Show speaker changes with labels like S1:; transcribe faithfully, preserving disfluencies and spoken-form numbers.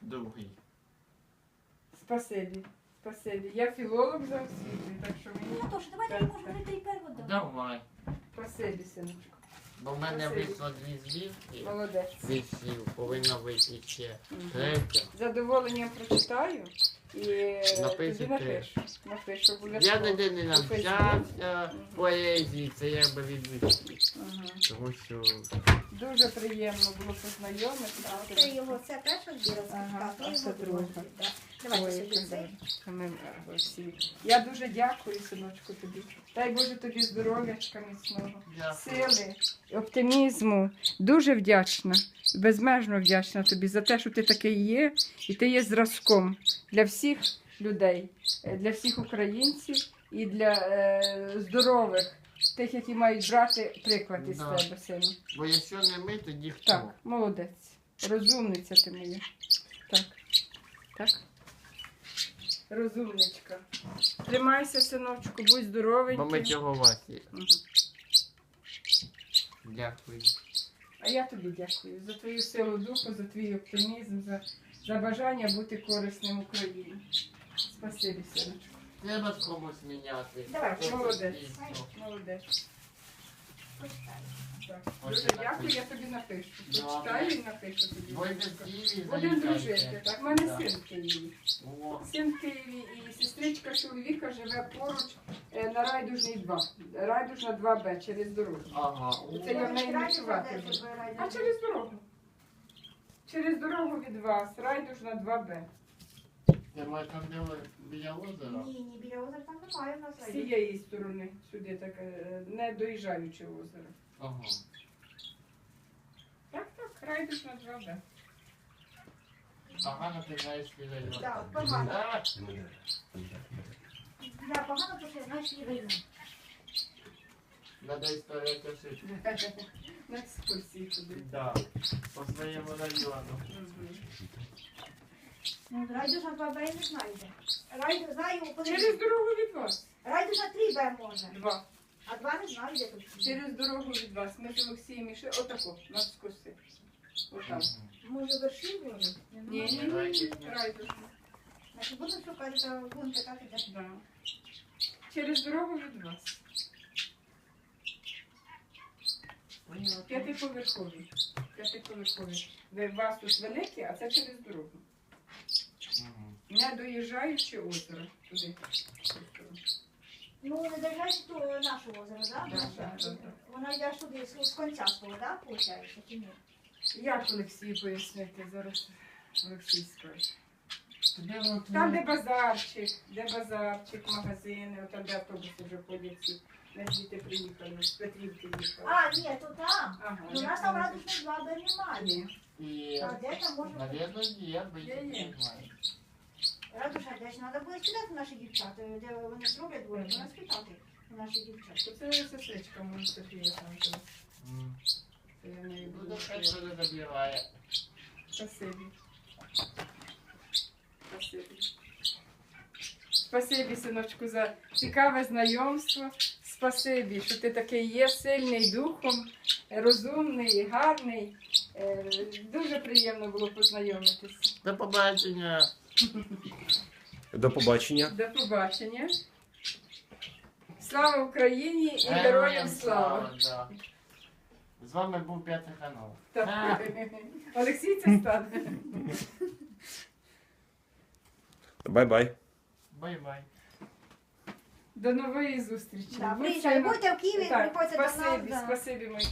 S1: другий.
S2: Спасибі. Спасибі. Я філолог за освітою, так що мені...
S3: Ну, тож, давайте я можу вже три переводи.
S1: Давай.
S2: Спасибі, синочку.
S1: Бо в мене
S2: Спасибі.
S1: вийшло дві збірки.
S2: Молодець.
S1: Вісів, повинна вийти ще
S2: Мгм.
S1: третя.
S2: З задоволенням прочитаю і
S1: Напишу
S2: тобі напишу. Напишу
S1: Я
S2: обов'язково.
S1: ніде не
S2: У Фейсбуці.
S1: навчався
S2: Мгм.
S1: поезії, це якби відвідки.
S2: Ага.
S1: Тому що
S2: Дуже приємно було познайомитися.
S3: Так, це його, це перша збіра
S2: Ага,
S3: сертифікату,
S2: а це
S3: його
S2: друга.
S3: другий, да. Давайте
S2: Ой,
S3: сюди
S2: яка
S3: цей.
S2: добре. Ми, е, всі. Я дуже дякую, синочку, тобі. Дай Боже тобі здоров'ячка міцного,
S1: Дякую.
S2: сили, оптимізму. Дуже вдячна, безмежно вдячна тобі за те, що ти такий є, і ти є зразком для всіх людей, е, для всіх українців і для е, здорових, тих, які мають брати приклад із
S1: Да.
S2: тебе, сину.
S1: Бо якщо не ми, тоді хто?
S2: Так, молодець. Розумниця ти моя. Так. Так. Розумничка. Тримайся, синочку, будь
S1: Бо ми
S2: здоровенький.
S1: цього ваті.
S2: Мгм.
S1: Дякую.
S2: А я тобі дякую за твою силу духу, за твій оптимізм, за, за бажання бути корисним Україні. Спасибі, синочку.
S1: Треба з комусь міняти.
S3: Давай,
S1: Хто
S2: молодець.
S1: суспільство.
S2: Молодець.
S3: Почитай.
S2: Так.
S1: Ось
S2: Дуже
S1: я
S2: дякую,
S1: напишу.
S2: я тобі напишу.
S1: Добре.
S2: Прочитаю і напишу тобі.
S1: Будете в Києві,
S2: Будемо дружити.
S1: заїжджайте.
S2: Так, в мене
S1: Да.
S2: син в Києві.
S1: О,
S2: Син в Києві і сестричка чоловіка живе поруч е, на Райдужній два. Райдужна два Б через дорогу.
S1: ага.
S2: Це я в неї ночувати буду. А через дорогу. Через дорогу від вас. Райдужна два Б.
S1: Це ми там де ви біля озера?
S3: Ні, ні, біля озера там немає в нас.
S2: З цієї сторони сюди, так, е, не доїжджаючи озеро.
S1: Ага.
S2: Так, так, Райдужна два Б.
S1: Погано ти знаєш район.
S3: Так, погано.
S1: Так.
S3: Я погано, тому що я знаю, що є район.
S1: Надо історія пишити.
S2: На екскурсії туди.
S1: Да. По своєму району.
S2: Мгм.
S3: Ну, Райдужна два Б я не знаю де. Райду, знаю, коли...
S2: Через дорогу від вас.
S3: Райдужна три Б може.
S2: Два.
S3: А два не знаю, де тут.
S2: Через дорогу від вас. Ми з Олексієм ішли. Отако, на скоси. Отам.
S3: Може вершин може?
S2: Ні, ні, ні, ні. Райдужна.
S3: Значить, будемо шукати, та будемо питати, де.
S2: Да. Через дорогу від вас. П'ятиповерховий. П'ятиповерховий. Ви у вас тут великі, а це через дорогу.
S1: Мгм.
S2: Не доїжджаючи озеро туди.
S3: Ну, не доїжджаєш до нашого озера, так?
S2: Да, да, да, да.
S3: Вона йде сюди, з з конця свого, так, виходить, чи ні?
S2: Як Олексій пояснити? Зараз Олексій скаже.
S1: Де воно
S2: Там, де
S1: твоє?
S2: базарчик, де базарчик, магазини, от там, де автобуси вже ходять всі. Ми звідти приїхали, з Петрівки їхали.
S3: А, ні, то там.
S2: Ага,
S3: Ну, у нас там радужних два Б немає.
S2: Ні.
S1: І,
S3: А де там може бути?
S1: навірно, є, бо
S2: Є,
S1: я
S2: є.
S1: не знаю.
S3: Радужна десь, треба буде спитати наші дівчата, де вони зроблять двоє, треба спитати у наших дівчат.
S2: Це сестричка моя Софія там живе.
S1: М.
S2: Це я в неї
S1: Ну,
S2: буду.
S1: то хай себе забирає.
S2: Спасибі. Спасибі. Спасибі, синочку, за цікаве знайомство. Спасибі, що ти такий є, сильний духом, розумний, гарний. Е, Дуже приємно було познайомитися.
S1: До побачення.
S4: До побачення.
S2: До побачення. Слава Україні і героям слава!
S1: да. З вами був п'ятий канал.
S2: Так. Олексій це стане.
S4: Бай-бай.
S1: Бай-бай.
S2: До нової зустрічі.
S3: Да,
S2: Будьте
S3: приїжджай,
S2: на-
S3: будьте в Києві,
S2: Так,
S3: приходьте до нас.
S2: спасибі,
S3: да.
S2: спасибі, мої